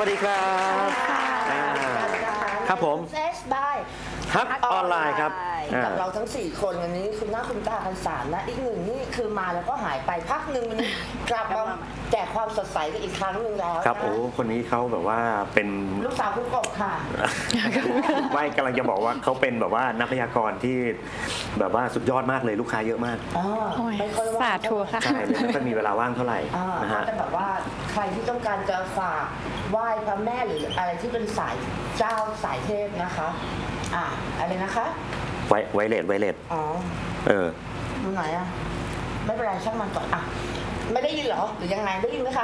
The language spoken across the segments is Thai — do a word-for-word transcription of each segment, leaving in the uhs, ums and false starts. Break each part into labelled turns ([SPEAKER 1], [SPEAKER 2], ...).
[SPEAKER 1] วัสดีครับครับผม
[SPEAKER 2] เซสบาย
[SPEAKER 1] ฮักออนไลน์ครับ
[SPEAKER 2] กับเราทั้งสี่คนวันนี้คุณหน้าคุณตากันสามนะอีกหนึ่งนี่คือมาแล้วก็หายไปพักหนึ่งวันนี้กลับมาแจกความสดใสกันอีกครั้งหนึ่งแล้ว
[SPEAKER 1] ครับโอ้คนนี้เขาแบบว่าเป็น
[SPEAKER 2] ลูกสาวคุณกบค่ะ
[SPEAKER 1] ไม่กำลังจะบอกว่าเขาเป็นแบบว่านักพยากรณ์ที่แบบว่าสุดยอดมากเลยลูกค้าเยอะมาก
[SPEAKER 2] อ๋อไม่ค่อยว่าง
[SPEAKER 3] สาธุค่ะ
[SPEAKER 1] ใช่เลยไม่ค่อยมีเวลาว่างเท่าไหร่
[SPEAKER 2] อ่า
[SPEAKER 1] นะฮะ
[SPEAKER 2] แต่แบบว่าใครที่ต้องการจะฝากไหว้พระแม่หรืออะไรที่เป็นสายเจ้าสายเทพนะคะอ่าอะไรนะคะ
[SPEAKER 1] ไวไวเลสไวเลส
[SPEAKER 2] อ๋อ
[SPEAKER 1] เออ
[SPEAKER 2] ตรงไหนอ่ะไม่เป็นไรช่างมันก่อนอ่ะไม่ได้ยินเหรอหรือยังไงได้ยินไหมคะ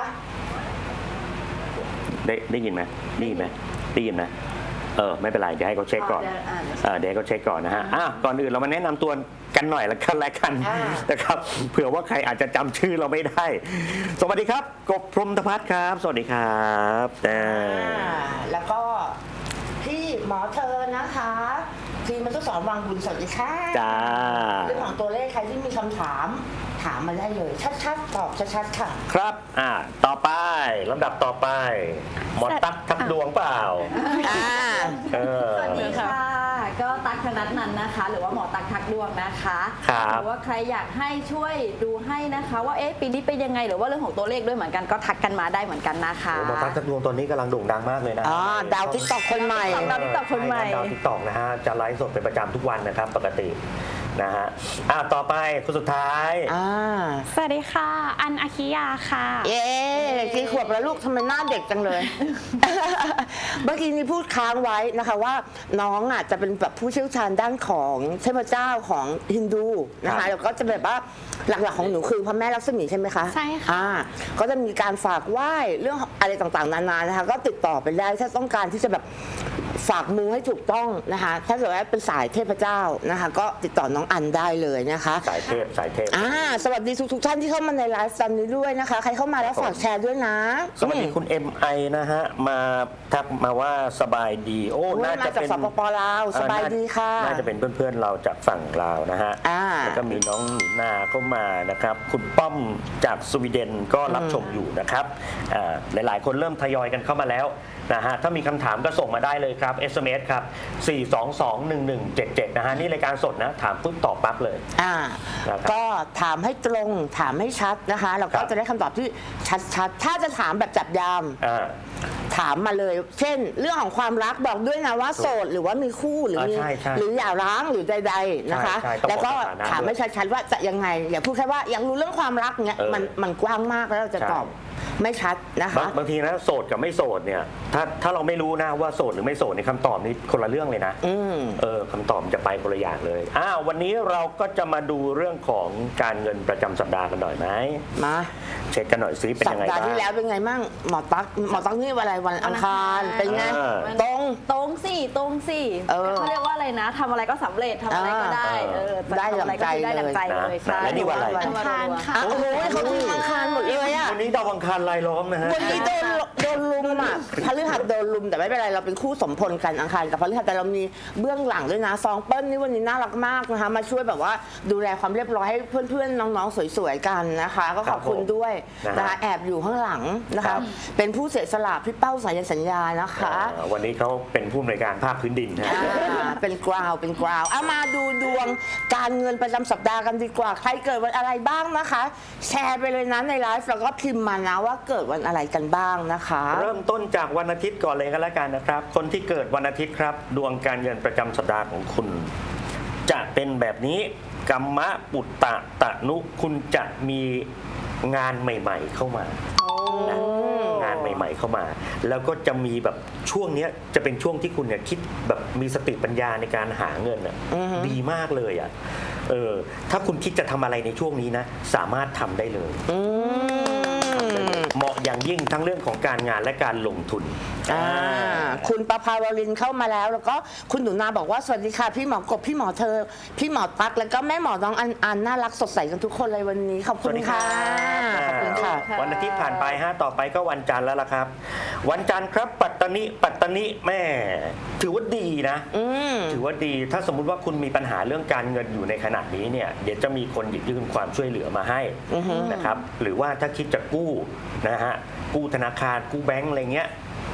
[SPEAKER 1] ได้ได้ยินไหมได้ยินไหมได้ยินไหมเออไม่เป็นไรเดี๋ยวให้เขาเช็คก่อนเออเดี๋ยวให้เขาเช็คก่อนนะฮะอ่ะก่อนอื่นเรามาแนะนำตัวกันหน่อยละกันละกันนะครับเผื่อว่าใครอาจจะจำชื่อเราไม่ได้ สวัสดีครับกบพรหมธพัฒน์ครับ สวัสดีครับแต่
[SPEAKER 2] อ่าแล้วก็พี่หมอเธอนะคะทีมมันต้องสอนวางบุญสวัสดีค่ะ
[SPEAKER 1] จ้า
[SPEAKER 2] เรื่องของตัวเลขใครที่มีคำถามถามมาได้เลย ชัดๆตอบชัดๆค่ะ
[SPEAKER 1] ครับอ่าต่อไปลำดับต่อไป หมอตั๊กทับดวงเปล่า
[SPEAKER 2] อ่า
[SPEAKER 1] เออ
[SPEAKER 3] สวัสดีค่ะ ก็ตั๊กธนัทนันนะคะ หรือว่าหมอตั๊กทักดวงนะคะ
[SPEAKER 1] ครับ
[SPEAKER 3] หรือว่าใครอยากให้ช่วยดูให้นะคะ ว่าเอ๊ะปีนี้เป็นยังไงหรือว่าเรื่องของตัวเลขด้วยเหมือนกันก็ทักกันมาได้เหมือนกันนะคะ
[SPEAKER 1] โอ้หมอตั๊กทับดวงตอนนี้กำลังโด่งดังมากเลยนะ
[SPEAKER 2] อ๋อดาวทิกตอกคนใหม่
[SPEAKER 3] ดาว TikTok คนใหม่
[SPEAKER 1] ดาวทิกตอกนะฮะจะไลฟ์สดเป็นประจำทุกวันนะครับปกตินะฮะอ่าต่อไปคนสุดท้าย
[SPEAKER 2] อ่า
[SPEAKER 4] สวัสดีค่ะ อันอาคิยาค่ะ
[SPEAKER 2] เย้กี่ขวบแล้วลูกทำไมหน้าเด็กจังเลย เมื่อกี้นี้พูดค้างไว้นะคะว่าน้องอ่ะจะเป็นแบบผู้เชี่ยวชาญด้านของเทพเจ้าของฮินดูนะคะแล้วก็จะแบบว่าหลักๆของหนูคือพระแม่ลักษมีใช่ไหมคะ
[SPEAKER 4] ใช่ค่ะ
[SPEAKER 2] อ่าก็จะมีการฝากไหว้เรื่องอะไรต่างๆนานานะคะก็ติดต่อไปได้ถ้าต้องการที่จะแบบฝากมูให้ถูกต้องนะคะถ้าเกิดว่าเป็นสายเทพเจ้านะคะก็ติดต่อน้องอันได้เลยนะคะ
[SPEAKER 1] สายเทพสายเทพ
[SPEAKER 2] อ่าสวัสดีทุกๆท่านที่เข้ามาในไลฟ์ตอนนี้ด้วยนะคะ ใครเข้ามาแล้วฝากแชร์ด้วยนะ
[SPEAKER 1] สวัสดีคุณ เอ็ม ไอ นะฮะมาทักมาว่าสบายดีโอ้
[SPEAKER 2] โอ้
[SPEAKER 1] น่า
[SPEAKER 2] มา
[SPEAKER 1] จะ
[SPEAKER 2] จาก
[SPEAKER 1] เป็น
[SPEAKER 2] สปปลาวสบายดีค่ะ
[SPEAKER 1] น่าจะเป็นเพื่อนๆเราจากฝั่งลาวนะฮะ
[SPEAKER 2] อ่า
[SPEAKER 1] แล้วก็มีน้องหนูนาเข้ามานะครับคุณป้อมจากสวีเดนก็รับชมอยู่นะครับอ่าหลายๆ คนเริ่มทยอยกันเข้ามาแล้วนะฮะถ้ามีคำถามก็ส่งมาได้เลยครับ เอส เอ็ม เอส ครับ สี่ สอง สอง หนึ่ง หนึ่ง เจ็ด เจ็ด นะฮะนี่รายการสดนะถามปุ๊บตอบปั๊บเลย
[SPEAKER 2] อ่า
[SPEAKER 1] นะครับ
[SPEAKER 2] ก็ถามให้ตรงถามให้ชัดนะคะแล้วก็
[SPEAKER 1] ครับ
[SPEAKER 2] จะได้คำตอบที่ชัดๆ ถ้าจะถามแบบจับยาม
[SPEAKER 1] อ่า
[SPEAKER 2] ถามมาเลย เช่น เรื่องของความรักบอกด้วยนะว่าโสดหรือว่ามีคู่หรือมี
[SPEAKER 1] อ่าใช่ใช่
[SPEAKER 2] หรืออย่าร้างหรือใดๆนะคะ
[SPEAKER 1] ใช่ใช่ต้อง
[SPEAKER 2] แล้วก็
[SPEAKER 1] บอกสถานะ
[SPEAKER 2] ถามให้ชัดๆว่าจะยังไงอย่าพูดแค่ว่าอยากรู้เรื่องความรักเนี้ย
[SPEAKER 1] เออ
[SPEAKER 2] มันมันกว้างมากแล้วเราจะ
[SPEAKER 1] ใช่
[SPEAKER 2] ตอบไม่ชัดนะ
[SPEAKER 1] บาง
[SPEAKER 2] คะ
[SPEAKER 1] บางทีนะโสดกับไม่โสดเนี่ยถ้าถ้าเราไม่รู้นะว่าโสดหรือไม่โสดในคำตอบนี้คนละเรื่องเลยนะ
[SPEAKER 2] อืม
[SPEAKER 1] เออคำตอบจะไปคนละอย่างเลยอ้าววันนี้เราก็จะมาดูเรื่องของการเงินประจำสัปดาห์กันหน่อยไหม
[SPEAKER 2] มา
[SPEAKER 1] เช็คกันหน่อยซิเป็น
[SPEAKER 2] สั
[SPEAKER 1] ยั
[SPEAKER 2] ป
[SPEAKER 1] งไง
[SPEAKER 2] ดาห์
[SPEAKER 1] บ้าง
[SPEAKER 2] ที่แล้วเป็นไงมั่งหมอตั๊กหมอตั๊กนี่วันอะไรวันอังคารเป็นไง
[SPEAKER 1] เออ
[SPEAKER 2] ตรง
[SPEAKER 3] ตรงสิตรงสิ
[SPEAKER 2] เออ
[SPEAKER 3] เขาเรียกว่าอะไรนะทำอะไรก็สำเร็จทำอะไรก็ได้
[SPEAKER 1] เออ
[SPEAKER 3] เออ
[SPEAKER 2] ได้
[SPEAKER 3] ทำอะไรก็คือได้ดังใจ
[SPEAKER 1] เลย
[SPEAKER 3] เลย
[SPEAKER 1] นะ
[SPEAKER 3] ใช่
[SPEAKER 1] แล้วนี่วันอะไร
[SPEAKER 3] วัน
[SPEAKER 4] อังคารค่ะ
[SPEAKER 2] โอ้โหเขาทีมอังคารหมดเลยอะ
[SPEAKER 1] วันนี้ดาวอังคารลายล้อมนะฮะ
[SPEAKER 2] วันนี้โดนโดนลุมอ่ะพฤหัสโดนลุมแต่ไม่เป็นไรเราเป็นคู่สมพลกันอังคารกับพฤหัสแต่เรามีเบื้องหลังด้วยนะซองเปิ้ลนี่วันนี้น่ารักมากนะคะมาช่วยแบบว่าดูแลความเรียบร้อยให้เพื่อนๆน้องๆสวยๆกันนะคะ ก็ขอบคุณด้วย
[SPEAKER 1] นะฮะ
[SPEAKER 2] นะคะแอบอยู่ข้างหลังนะ
[SPEAKER 1] ครั
[SPEAKER 2] คะ
[SPEAKER 1] บ
[SPEAKER 2] เป็นผู้เสียสละพี่เป้าสายันสัญญานะคะ
[SPEAKER 1] อ่าวันนี้เขาเป็นผู้อำนวยการภาคพื้นดินนะ
[SPEAKER 2] อ่าเป็นกราวเป็นกราวเอามาดูดวงการเงินประจำสัปดาห์กันดีกว่าใครเกิดวันอะไรบ้างนะคะ แชร์ไปเลยนะในไลฟ์แล้วก็พิมพ์มานะว่าเกิดวันอะไรกันบ้างนะคะ
[SPEAKER 1] เริ่มต้นจากวันอาทิตย์ก่อนเลยก็แล้วกันนะครับ คนที่เกิดวันอาทิตย์ครับ ดวงการเงินประจำสัปดาห์ของคุณ จะเป็นแบบนี้กัมมะปุตตะตะนุคุณจะมีงานใหม่ ๆ เข้ามานะงานใหม่ ๆ เข้ามา แล้วก็จะมีแบบช่วงเนี้ยจะเป็นช่วงที่คุณเนี่ยคิดแบบมีสติปัญญาในการหาเงินอ่ะดีมากเลยอ่ะเออถ้าคุณคิดจะทำอะไรในช่วงนี้นะสามารถทำได้เลย
[SPEAKER 2] อืม
[SPEAKER 1] เหมาะอย่างยิ่งทั้งเรื่องของการงานและการลงทุน
[SPEAKER 2] อ่าคุณประภาวรินทร์เข้ามาแล้ว แล้วก็คุณหนูนาบอกว่าสวัสดีค่ะพี่หมอกบพี่หมอเธอ พี่หมอตั๊กแล้วก็แม่หมอน้องอันอันน่ารักสดใสกันทุกคนเลยวันนี้ขอบคุณค่ะขอบคุณค่ะ
[SPEAKER 1] วันอาทิตย์ผ่านไปฮะต่อไปก็วันจันทร์แล้วล่ะครับ วันจันทร์ครับปัตตานีปัตตานีแม่ ถือว่าดีนะ
[SPEAKER 2] อืม
[SPEAKER 1] ถือว่าดีถ้าสมมุติว่าคุณมีปัญหาเรื่องการเงินอยู่ในขณะนี้เนี่ยเดี๋ยวจะมีคนหยิบยื่นความช่วยเหลือมาให้นะครับหรือว่าถ้าคิดจะกู้นะฮะกู้ธนาคารกู้แบงก์อะไรเงี้ย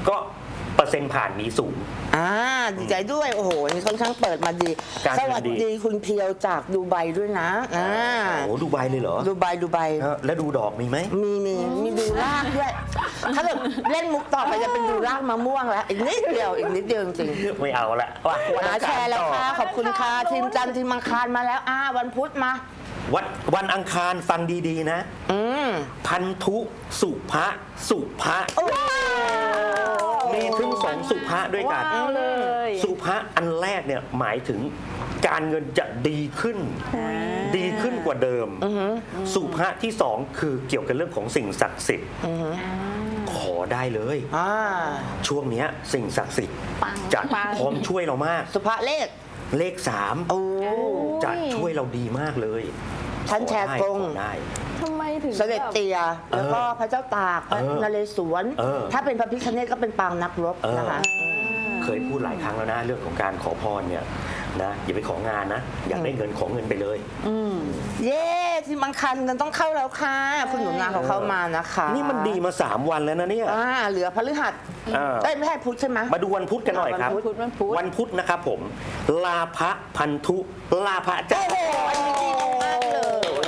[SPEAKER 1] ก็เปอร์เซ็นต์ผ่านมีสูง
[SPEAKER 2] อ่าดีใจด้วยโอ้โหนี่ค่อนข้างเปิดมาดี
[SPEAKER 1] การ
[SPEAKER 2] ส
[SPEAKER 1] เงิน
[SPEAKER 2] วัส
[SPEAKER 1] ดี
[SPEAKER 2] ดีคุณเพียวจากดูไบด้วยนะอ่า
[SPEAKER 1] โอ้ดูไบเลยเหรอ
[SPEAKER 2] ดูไบดูไบ
[SPEAKER 1] เออแล้วดูดอกมีไหม
[SPEAKER 2] มีมีมีดูรากด้วย ถ้าเกิดเล่นมุกต่อไปจะเป็นดูรากมะม่วงแล้ว อีกนิดเดียวอีกนิดเดียวจริง
[SPEAKER 1] ไม่เอาละว่ะวัน
[SPEAKER 2] ๆ
[SPEAKER 1] อั
[SPEAKER 2] นะ
[SPEAKER 1] ง
[SPEAKER 2] แช
[SPEAKER 1] คาร
[SPEAKER 2] ร์แล้ว
[SPEAKER 1] ต่อ
[SPEAKER 2] ค่ะขอบคุณค่ะทีมจันทร์ทีมอังคารมาแล้วอ่าวันพุธมา
[SPEAKER 1] วันวันอังคารฟังดีๆนะ
[SPEAKER 2] อืม
[SPEAKER 1] พันธุสุภะสุภะ
[SPEAKER 2] ว้าว
[SPEAKER 1] มีถึงสองสุภะด้วยกัน
[SPEAKER 3] ว้าวเลย
[SPEAKER 1] สุภะอันแรกเนี่ยหมายถึงการเงินจะดีขึ้น ดีขึ้นกว่าเดิม สุภะที่สองคือเกี่ยวกับเรื่องของสิ่งศักดิ์สิทธิ์ขอได้เลย
[SPEAKER 2] อ่า
[SPEAKER 1] ช่วงเนี้ยสิ่งศักดิ์สิทธิ์
[SPEAKER 3] ปัง
[SPEAKER 1] จะ
[SPEAKER 3] ปัง
[SPEAKER 1] พร้อมช่วยเรามาก
[SPEAKER 2] สุภาเลข
[SPEAKER 1] เลขสาม
[SPEAKER 2] โอ้
[SPEAKER 1] จะช่วยเราดีมากเลย
[SPEAKER 2] ท่านแชร์กง
[SPEAKER 1] ขอได้
[SPEAKER 3] ทำไมถึง
[SPEAKER 2] เสด็จเตีย แล้วก็พระเจ้าตากพระ
[SPEAKER 1] เออน
[SPEAKER 2] เรศวร
[SPEAKER 1] เออ
[SPEAKER 2] ถ้าเป็นพระพิฆเนศก็เป็นปางนักรบ
[SPEAKER 1] เออ
[SPEAKER 2] นะคะ
[SPEAKER 1] เคยพูดหลายครั้งแล้วนะเรื่องของการขอพรเนี่ยนะอย่าไปของานนะ อยากได้เงินขอเงินไปเลย
[SPEAKER 2] เย้ที่บางคันเงินต้องเข้าแล้วค่ะ คุณหนูนาเขาเข้ามานะคะ
[SPEAKER 1] นี่มันดีมาสามวันแล้วนะเนี่ย
[SPEAKER 2] อ่าเหลือพฤหัส
[SPEAKER 1] อ่า
[SPEAKER 2] เอ้ยไม่ใช่พุธใช่ไหม
[SPEAKER 1] มาดูวันพุธกันหน่อยครับ
[SPEAKER 3] วันพุธวันพุธ
[SPEAKER 1] วันพุธนะครับผม ลาภะพันธุลาภะจ้า
[SPEAKER 2] โอ้โหอันนี้ดีมากเลย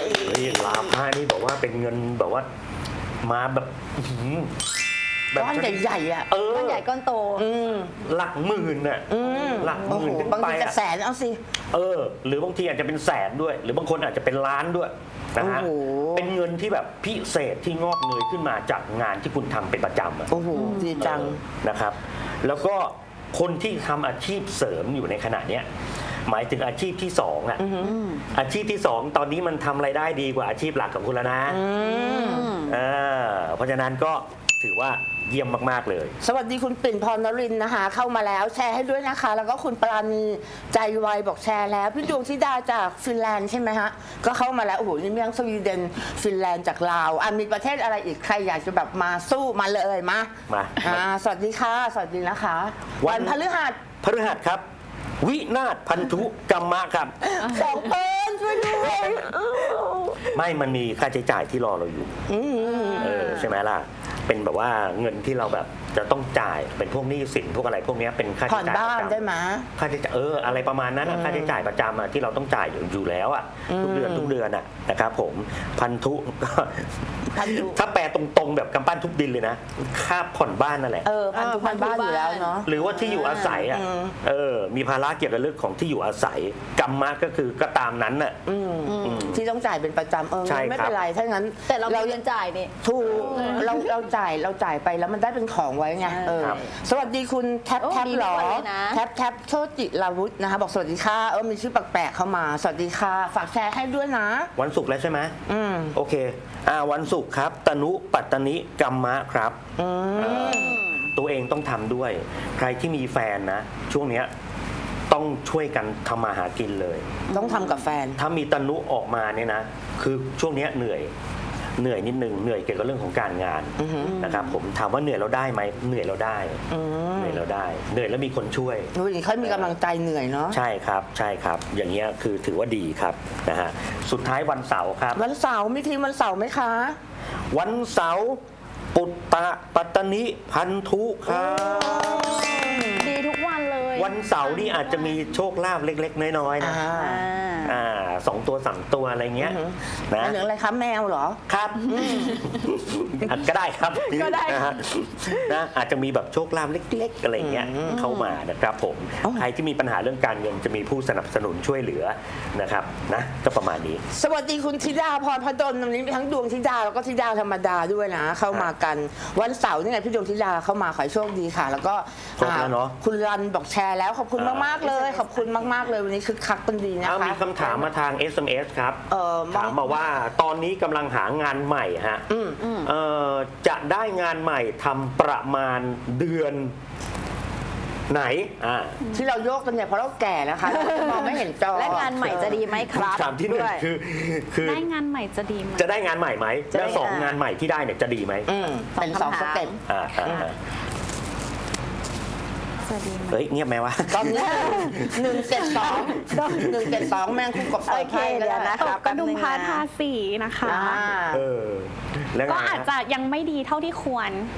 [SPEAKER 1] เฮ้ยลาภะนี่บอกว่าเป็นเงินแบบว่ามาแบบอื้อหือแบบ
[SPEAKER 2] ก้อนใหญ่ๆอ่ะ
[SPEAKER 1] เออ
[SPEAKER 3] ก้อนใหญ่ก้อนโต
[SPEAKER 2] อืม
[SPEAKER 1] หลักหมื่นน่ะ
[SPEAKER 2] อืม
[SPEAKER 1] หลักห
[SPEAKER 2] โอ้โห
[SPEAKER 1] มื่นขึ้น
[SPEAKER 2] บาง
[SPEAKER 1] ไป
[SPEAKER 2] ทีจะ
[SPEAKER 1] อะ
[SPEAKER 2] แสนเอาสิ
[SPEAKER 1] เออ หรือบางทีอาจจะเป็นแสนด้วย หรือบางคนอาจจะเป็นล้านด้วยนะฮะ
[SPEAKER 2] โอ้โห
[SPEAKER 1] เป็นเงินที่แบบพิเศษที่งอกเงยขึ้นมาจากงานที่คุณทำเป็นประจำอะ
[SPEAKER 2] โอ้โหดีจัง
[SPEAKER 1] เออนะครับ แล้วก็คนที่ทำอาชีพเสริมอยู่ในขณะเนี้ยหมายถึงอาชีพที่สองอ่ะอาชีพที่สองตอนนี้มันทำรายได้ดีกว่าอาชีพหลักของคุณแล้วนะเออเพราะฉะนั้นก็ถือว่าเยี่ยมมากๆเลย
[SPEAKER 2] สวัสดีคุณปิ่นพรนรินทร์นะคะ เข้ามาแล้วแชร์ให้ด้วยนะคะ แล้วก็คุณปราณีใจไวบอกแชร์แล้ว พี่ดวงธิดาจากฟินแลนด์ใช่ไหมฮะ ก็เข้ามาแล้ว โอ้โห นี่มีทั้งสวีเดนฟินแลนด์จากลาวอ่ะมีประเทศอะไรอีกใครอยากจะแบบมาสู้มาเลยมา
[SPEAKER 1] มา
[SPEAKER 2] อ่าสวัสดีค่ะ สวัสดีนะคะ
[SPEAKER 1] วั
[SPEAKER 2] วัน นพฤหัส
[SPEAKER 1] พฤหัสครับ วินาศพันธุกรรมะครับ
[SPEAKER 2] สองเอิญช่วยด้วย
[SPEAKER 1] ไม่มันมีค่าใช้จ่ายที่รอเราอยู่
[SPEAKER 2] อืม
[SPEAKER 1] เออใช่ไหมล่ะ เป็นแบบว่าเงินที่เราแบบจะต้องจ่ายเป็นพวกหนี้สินพวกอะไรพวกเนี้ยเป็นค่า
[SPEAKER 2] ผ่อ
[SPEAKER 1] ใช้
[SPEAKER 2] น
[SPEAKER 1] จ่าย
[SPEAKER 2] บ้าน
[SPEAKER 1] ประ
[SPEAKER 2] ได้
[SPEAKER 1] จำ
[SPEAKER 2] ไหม
[SPEAKER 1] ค่าใช้จ่ายเอออะไรประมาณนั้นอะค่าใช้จ่ายประจำอะที่เราต้องจ่ายอยู่อยู่แล้วอะทุกเดือนทุกเดือนอะนะครับผมพันธุก็
[SPEAKER 2] พันธุ
[SPEAKER 1] ถ้าแปลตรงๆแบบกำปั้นทุบดินเลยนะค่าผ่อนบ้านนั่นแหละ
[SPEAKER 2] เออพันธุพันบ้านอยู่แล้วเนาะ
[SPEAKER 1] หรือว่าที่อยู่อาศัยอ่ะ
[SPEAKER 2] อืม
[SPEAKER 1] เออมีภาระเกี่ยวกับเรื่องของที่อยู่อาศัยกรรมะก็คือก็ตามนั้นน่ะ
[SPEAKER 2] อืมที่ต้องจ่ายเป็นประจำเออ
[SPEAKER 1] ใช่
[SPEAKER 2] ไม่
[SPEAKER 1] ครับ
[SPEAKER 2] เป็นไรถ้างั้น
[SPEAKER 3] แต่เรามีเงินจ่ายนี่
[SPEAKER 2] ถูกเราเราจ่ายเราจ่ายไปแล้วมันได้เป็นของไว้ไงเออ
[SPEAKER 1] ครับ
[SPEAKER 2] สวัสดีคุณแท็บ
[SPEAKER 3] โอ้
[SPEAKER 2] แท็บ
[SPEAKER 3] ดี
[SPEAKER 2] หรอ
[SPEAKER 3] ทุกวันเลยนะ
[SPEAKER 2] แท็บแท็บโชติลาวุธนะคะบอกสวัสดีค่ะเออมีชื่อแปลกๆเข้ามา สวัสดีค่ะฝากแชร์ให้ด้วยนะ
[SPEAKER 1] วันศุกร์แล้วใช่ไหม
[SPEAKER 2] อืม
[SPEAKER 1] โอเคอ่าวันศุกร์ครับตนุปัตตนิกรรมะครับ
[SPEAKER 2] อืม
[SPEAKER 1] เอ่อตัวเองต้องทำด้วย ใครที่มีแฟนนะ ช่วงเนี้ยต้องช่วยกันทำมาหากินเลย
[SPEAKER 2] ต้องทำกับแฟน
[SPEAKER 1] ถ้ามีตนุออกมาเนี่ยนะ คือช่วงเนี้ยเหนื่อยเหนื่อยนิดนึงเหนื่อยเกี่ยวกับเรื่องของการงานนะครับผมถามว่าเหนื่อยเราได้ไหมเหนื่อยเราได้
[SPEAKER 2] อืม
[SPEAKER 1] เหนื่อยเราได้ เหนื่อยแล้วมีคนช่วย
[SPEAKER 2] ดูดิเขามีกำลังใจเหนื่อยเนาะ
[SPEAKER 1] ใช่ครับใช่ครับ อย่างเงี้ยคือถือว่าดีครับนะฮะสุดท้ายวันเสาร์ครับ
[SPEAKER 2] วันเสาร์มีทีมวันเสาร์ไหมคะ
[SPEAKER 1] วันเสาร์ปุตตะปัตตนิพันธุครับ
[SPEAKER 3] ดีทุกวันเลย
[SPEAKER 1] วันเสาร์นี่อาจจะมีโชคลาภเล็ก ๆ น้อยๆนะ
[SPEAKER 2] อ่า
[SPEAKER 3] อ่า
[SPEAKER 1] อ่าสองตัวสามตัวอะไรเงี้ยนะ
[SPEAKER 2] อันหนึ่งอะไรคะแมวเหรอ
[SPEAKER 1] ครับอ่ะก็ได้ครับ
[SPEAKER 3] ก็ได้
[SPEAKER 1] นะฮะนะอาจจะมีแบบโชคลาภเล็ก ๆ อะไรเงี้ยเข้ามานะครับผม
[SPEAKER 2] เอ้า
[SPEAKER 1] ใครที่มีปัญหาเรื่องการเงินจะมีผู้สนับสนุนช่วยเหลือนะครับนะก็ประมาณนี้
[SPEAKER 2] สวัสดีคุณธิดาพรพดลวันนี้มีทั้งดวงธิดาแล้วก็ธิดาธรรมดาด้วยนะ เข้ามากันวันเสาร์นี่ไงพี่ดวงธิดาเข้ามาขอให้โชคดีค่ะ แล้วก็
[SPEAKER 1] ครบแล้วเนอะ
[SPEAKER 2] คุณรันบอกแชร์แล้วขอบคุณมากๆเลย ขอบคุณมากๆเลยวันนี้คึกคักเป็นดีนะ
[SPEAKER 1] เอา
[SPEAKER 2] คะ
[SPEAKER 1] มีคำถามมาทาง เอส เอ็ม เอส ครับ
[SPEAKER 2] เอ่อ
[SPEAKER 1] ถามมาว่าตอนนี้กำลังหางานใหม่ฮะ
[SPEAKER 2] อืม
[SPEAKER 1] เอ่อจะได้งานใหม่ทำประมาณเดือนไหนอ่า
[SPEAKER 2] ที่เราโยกกันเนี่ยเพราะเราแก่นะคะเราจะมองไม่เห็นจอ
[SPEAKER 3] และงานใหม่จะดีไหมครับ
[SPEAKER 1] คำถามที่หนึ่ง
[SPEAKER 3] ด้วย
[SPEAKER 1] คือคือ
[SPEAKER 4] ได้งานใหม่จะดีไหม
[SPEAKER 1] จะได้งานใหม่ไหม
[SPEAKER 3] จะได้
[SPEAKER 1] แล้วสอง
[SPEAKER 3] อ่าง
[SPEAKER 1] งานใหม่ที่ได้เนี่ยจะดีไหม
[SPEAKER 2] อืมเป็นสองสเต็ป
[SPEAKER 1] อ่าอ่าอ่า
[SPEAKER 4] จะดีไหม
[SPEAKER 1] เฮ้ยเงียบไหมวะ
[SPEAKER 2] ตอนนี้หนึ่งเจ็ดสองหนึ่งเจ็ดสองแมงคู่กับ
[SPEAKER 3] โอเคเดี๋ยวนะ
[SPEAKER 4] ตกกระดุมพาทาสีนะคะ
[SPEAKER 2] อ่า
[SPEAKER 1] เออแล้วไง
[SPEAKER 4] ก็
[SPEAKER 1] ฮะ
[SPEAKER 4] อาจจะยังไม่ดีเท่าที่ควร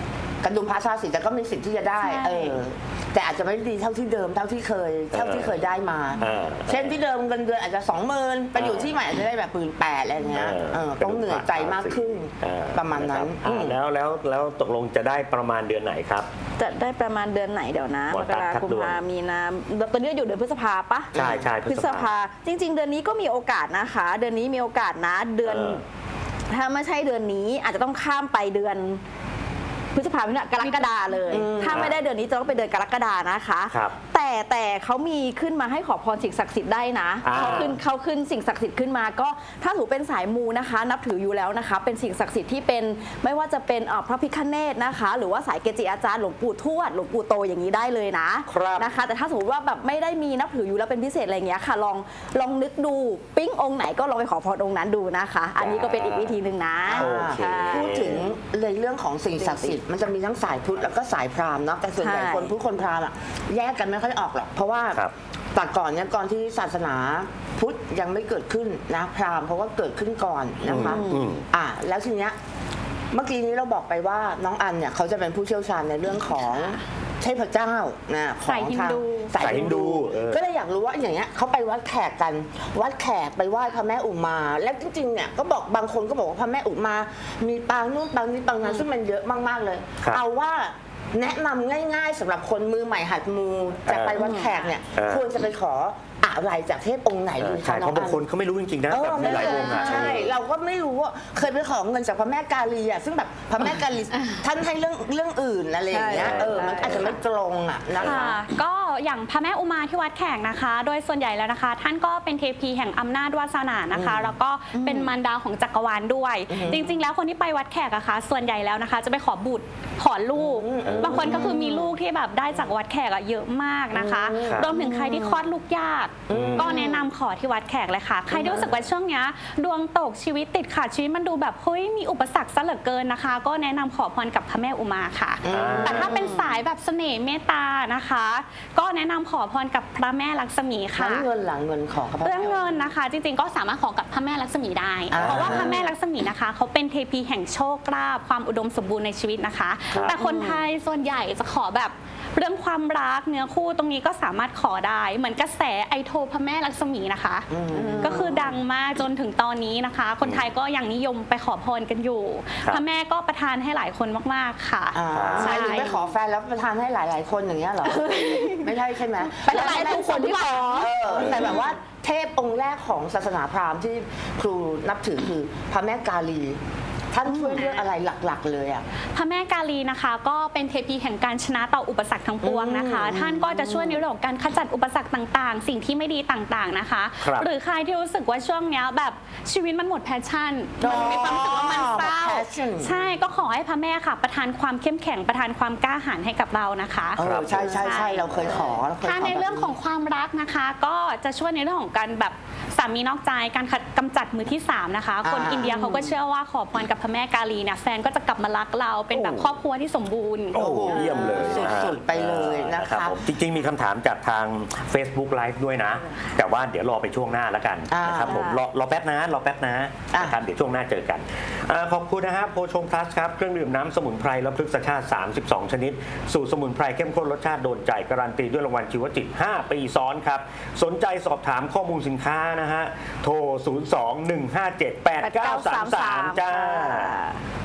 [SPEAKER 2] กันดุมพระชาสิทธิ์แต่ก็มีสิทธิ์ที่จะได้
[SPEAKER 4] ใช่
[SPEAKER 2] เออแต่อาจจะไม่ดีเท่าที่เดิมเท่าที่เคยเท่าที่เคยได้มา
[SPEAKER 1] เออ
[SPEAKER 2] เช่นที่เดิมเงินเดือนอาจจะสองหมื่นไปอยู่ที่ใหม่อาจจะได้แบบหมื่นแปดอะไรอย่างเงี้ยเออต้องเหนื่อยใจมากขึ้น
[SPEAKER 1] เออ
[SPEAKER 2] ประมาณนั้น
[SPEAKER 1] อ่าแล้วแล้วแล้วตกลงจะได้ประมาณเดือนไหนครับ
[SPEAKER 3] จะได้ประมาณเดือนไหนเดี๋ยวนะ
[SPEAKER 1] หม
[SPEAKER 3] ม
[SPEAKER 1] ด
[SPEAKER 3] ก
[SPEAKER 1] ตัด
[SPEAKER 3] รา
[SPEAKER 1] ทัด
[SPEAKER 3] คม
[SPEAKER 1] ดวง
[SPEAKER 3] พามีนาตอนนี้อยู่เดือนพฤษภาปะ
[SPEAKER 1] ใช่ใช่พฤษภา
[SPEAKER 3] พฤษภาจริง ๆ เดือนนี้ก็มีโอกาสนะคะ เดือนนี้มีโอกาสนะเดือน
[SPEAKER 1] เออ
[SPEAKER 3] ถ้าไม่ใช่เดือนนี้อาจจะต้องข้ามไปเดือนพฤษภาคมเนี่ยกรกฎาเลย
[SPEAKER 2] อืม
[SPEAKER 3] ถ้าไม่ได้เดือนนี้จะต้องเป็นเดือนกรกฎานะคะ
[SPEAKER 1] ครับ
[SPEAKER 3] แต่แต่เขามีขึ้นมาให้ขอพรสิ่งศักดิ์สิทธิ์ได้นะ
[SPEAKER 1] อ่า
[SPEAKER 3] เขาขึ้นเขาขึ้นสิ่งศักดิ์สิทธิ์ขึ้นมาก็ถ้าถือเป็นสายมูนะคะ นับถืออยู่แล้วนะคะ เป็นสิ่งศักดิ์สิทธิ์ที่เป็นไม่ว่าจะเป็นเอ่อพระพิฆเนศนะคะ หรือว่าสายเกจิอาจารย์หลวงปู่ทวดหลวงปู่โตอย่างนี้ได้เลยนะครับ นะคะ แต่ถ้าสมมติว่าแบบไม่ได้มีนับถืออยู่แล้วเป็นพิเศษอะไรอย่างเงี้ยค่ะลองลองนึกดูปิ๊งองค์ไหนก็ลองไปขอพรองค์นั้นดูนะคะ อันนี้ก็เป็นอีกวิธีหนึ่งนะ
[SPEAKER 1] โอเค
[SPEAKER 3] ใช่
[SPEAKER 2] พูดถึงเลยเรื่องของสิ่งศักดิ์สิทธิ์มันจะมีทั้งสายพุทธแล้วก็สายพราหมณ์เนาะแต่ส่วนใหญ่
[SPEAKER 3] ใช่
[SPEAKER 2] คนพุทธคนพราหมณ์อะแยกกันไม่ค่อยออกหรอกเพราะว่า
[SPEAKER 1] ครับ
[SPEAKER 2] แต่ก่อนเนี่ยก่อนที่ศาสนาพุทธยังไม่เกิดขึ้นนะพราหมณ์เพราะว่าเกิดขึ้นก่อนนะคะ
[SPEAKER 1] อืมอืม
[SPEAKER 2] อ่ะแล้วทีเนี้ยเมื่อกี้นี้เราบอกไปว่าน้องอันเนี่ยเขาจะเป็นผู้เชี่ยวชาญในเรื่องของเทพเจ้านะของ
[SPEAKER 4] สายฮินดู
[SPEAKER 2] ทาง
[SPEAKER 1] สายฮินดูเออ
[SPEAKER 2] ก็เลยอยากรู้ว่าอย่างเงี้ยเขาไปวัดแขกกัน วัดแขกไปไหว้พระแม่อุมา แล้วจริงๆเนี่ยก็บอกบางคนก็บอกว่าพระแม่อุมา มีปางนู่นปางนี้ปางนั้นซึ่งมันเยอะมากๆเลย
[SPEAKER 1] ครับ
[SPEAKER 2] เอาว่าแนะนำง่ายๆสำหรับคนมือใหม่หัดมูจะไปวัดแขกเนี่ย
[SPEAKER 1] เออ
[SPEAKER 2] ควรจะไปขออะไรจากเทพองค์ไหนดี
[SPEAKER 1] ใช่
[SPEAKER 2] คะ
[SPEAKER 1] เพ
[SPEAKER 2] น้อง
[SPEAKER 1] ราะบาง
[SPEAKER 2] อัน
[SPEAKER 1] คนเขาไม่รู้จริงๆนะ
[SPEAKER 2] เอ
[SPEAKER 1] แบ
[SPEAKER 2] อบ
[SPEAKER 1] มีหลายวงอ่ะ
[SPEAKER 2] ใช่ เราก็ไม่รู้ว่าเคยไปขอเงินจากพระแม่กาลีอ่ะซึ่งแบบพระแม่กาลีท่านให้เรื่องเรื่องอื่นอะไรอย่างเงี้ย
[SPEAKER 3] ใช่
[SPEAKER 2] เออมันอาจจะไม่ตรงอ่ะนะ
[SPEAKER 4] ค่ะ
[SPEAKER 2] คะ
[SPEAKER 4] ก็อย่างพระแม่อุมาที่วัดแขกนะคะ โดยส่วนใหญ่แล้วนะคะ ท่านก็เป็นเทพีแห่งอำนาจวาสนานะคะ แล้วก็เป็นมารดาของจักรวาลด้วย จริง ๆ แล้วคนที่ไปวัดแขกอะคะส่วนใหญ่แล้วนะคะ จะไปขอบุตรขอลูก บางคนก็คือมีลูกที่แบบได้จากวัดแขกอะเยอะมากนะคะ
[SPEAKER 1] ครับ
[SPEAKER 4] รวมถึงใครที่คลอดลูกยากก็แนะนำขอที่วัดแขกเลยค่ะ ใครที่รู้สึกว่าช่วงเนี้ยดวงตกชีวิตติดขัดชีวิตมันดูแบบเฮ้ยมีอุปสรรคซะเหลือเกินนะคะ ก็แนะนำขอพรกับพระแม่อุมาค่ะ
[SPEAKER 1] อ่า
[SPEAKER 4] แต่ถ้าเป็นสายแบบเสน่ห์เมตตานะคะ ก็แนะนำขอพรกับพระแม่ลักษมีค่ะ
[SPEAKER 2] ทั้งเงินหลังเงินของพระ
[SPEAKER 4] เรื่องเงินนะคะ จริงๆก็สามารถขอกับพระแม่ลักษมีได้
[SPEAKER 2] อ่า
[SPEAKER 4] เพราะว่าพระแม่ลักษมีนะคะเขาเป็นเทพีแห่งโชคลาภความอุดมสมบูรณ์ในชีวิตนะคะ
[SPEAKER 1] ครับ
[SPEAKER 4] แต่คนไทยส่วนใหญ่จะขอแบบเรื่องความรักเนื้อคู่ตรงนี้ก็สามารถขอได้เหมือนกระแสไอโทพระแม่ลักษมีนะคะ ก็คือดังมากจนถึงตอนนี้นะคะ คนไทยก็ยังนิยมไปขอพรกันอยู่
[SPEAKER 1] ครับ
[SPEAKER 4] พระแม่ก็ประทานให้หลายคนมากๆค่ะ
[SPEAKER 2] อ่าหมายถึงไปขอแฟนแล้วประทานให้หลาย ๆ คนอย่างเงี้ยเหรอ ไม่ใช่ใช่ไหม
[SPEAKER 3] ไปหลายๆคนที่ขอ
[SPEAKER 2] เออแต่แบบว่าเทพองค์แรกของศาสนาพราหมณ์ที่ครูนับถือคือพระแม่กาลี ท่านช่วยเรื่องอะไรหลัก ๆ เลยอ่ะ
[SPEAKER 4] พระแม่กาลีนะคะ ก็เป็นเทพีแห่งการชนะต่ออุปสรรคทั้งปวงนะคะ
[SPEAKER 2] อืม
[SPEAKER 4] ท่านก็จะช่วยในเรื่องของการขจัดอุปสรรคต่างๆ สิ่งที่ไม่ดีต่างๆนะคะ
[SPEAKER 1] ครับ
[SPEAKER 4] หรือใครที่รู้สึกว่าช่วงเนี้ยแบบชีวิตมันหมดแพชชั่น
[SPEAKER 2] อ๋อ
[SPEAKER 4] มันมีความรู้สึกว่ามันเศร้า
[SPEAKER 2] หมด passion
[SPEAKER 4] ใช่ก็ขอให้พระแม่ค่ะ ประทานความเข้มแข็งประทานความกล้าหาญให้กับเรานะคะ
[SPEAKER 2] เออใช่ใช่ใช่เราเคยขอเราเคยขอ
[SPEAKER 4] ถ้าในเรื่องของความรักนะคะ ก็จะช่วยในเรื่องของการแบบสามีนอกใจการกำจัดมือที่สามนะคะ คน
[SPEAKER 2] อ่า
[SPEAKER 4] อินเดียเขาก็เชื่อว่าขอพรกับพระแม่กาลีเนี่ยแฟนก็จะกลับมารักเราเป็นแบบครอบครัวที่สมบูรณ์
[SPEAKER 1] โอ้โหเยี่ยมเลย
[SPEAKER 2] สุดๆไปเลยนะคะ
[SPEAKER 1] รับผมจริงๆ มีคำถามจากทาง Facebook Live ด้วยนะ แต่ว่าเดี๋ยวรอไปช่วงหน้าแล้วกัน
[SPEAKER 2] อ่าน
[SPEAKER 1] นะครับผมรอรอแป๊บนะรอแป๊บนะ
[SPEAKER 2] อ่ะ
[SPEAKER 1] นะครับเดี๋ยวช่วงหน้าเจอกันอ่าขอบคุณนะครับโพชงพลัสครับ เครื่องดื่มน้ำสมุนไพรและพฤกษชาติ สามสิบสอง ชนิด สูตรสมุนไพรเข้มข้นรสชาติโดนใจการันตีด้วยรางวัลชีวจิต ห้า ปีซ้อนครับ สนใจสอบถามข้อมูลสินค้านะฮะโทร ศูนย์ สอง หนึ่ง ห้า เจ็ด แปด เก้า สาม สาม จ้า
[SPEAKER 3] ค่ะ